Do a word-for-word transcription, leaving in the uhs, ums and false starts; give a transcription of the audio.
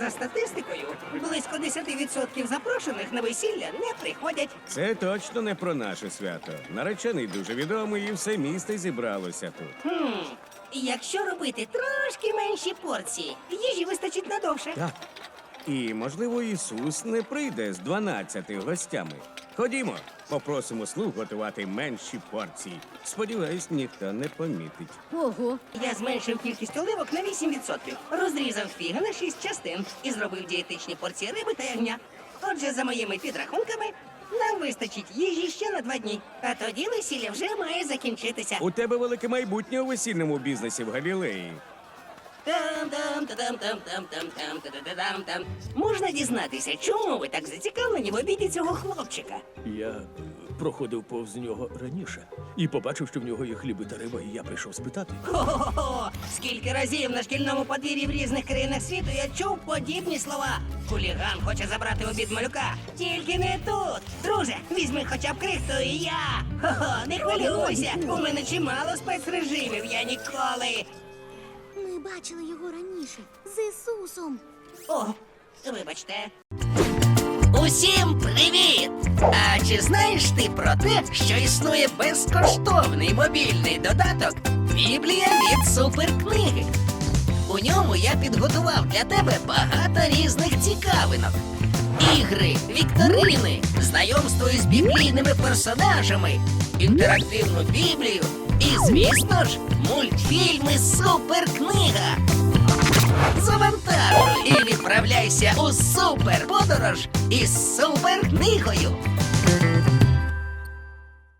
За статистикою, близько десять відсотків запрошених на весілля не приходять. Це точно не про наше свято. Наречений дуже відомий і все місто зібралося тут. Хм, якщо робити трошки менші порції, їжі вистачить надовше. Так. І, можливо, Ісус не прийде з дванадцяти гостями. Ходімо, попросимо слуг готувати менші порції. Сподіваюсь, ніхто не помітить. Ого, Я зменшив кількість оливок на вісім відсотків, розрізав фіги на шість частин і зробив дієтичні порції риби та ягня. Отже, за моїми підрахунками, нам вистачить їжі ще на два дні. А тоді весілля вже має закінчитися. У тебе велике майбутнє у весільному бізнесі в Галілеї. Там-там-там-там-там-там-там-там-там. Можна дізнатися, чому ви так зацікавлені в обіді цього хлопчика? Я е, проходив повз нього раніше і побачив, що в нього є хліби та риба, і я прийшов спитати. Хо-хо-хо! Скільки разів на шкільному подвір'ї в різних країнах світу я чув подібні слова. Хуліган хоче забрати обід малюка. Тільки не тут. Друже, візьми хоча б крихту і я. Хо-хо, не хвилюйся. У мене чимало спецрежимів, я ніколи. ми бачили його раніше з Ісусом. О, вибачте. Усім привіт! А чи знаєш ти про те, що існує безкоштовний мобільний додаток Біблія від суперкниги? У ньому я підготував для тебе багато різних цікавинок. Ігри, вікторини, знайомство із біблійними персонажами, інтерактивну Біблію і, звісно ж, мультфільми Суперкнига. Завантажуй і відправляйся у суперподорож із суперкнигою.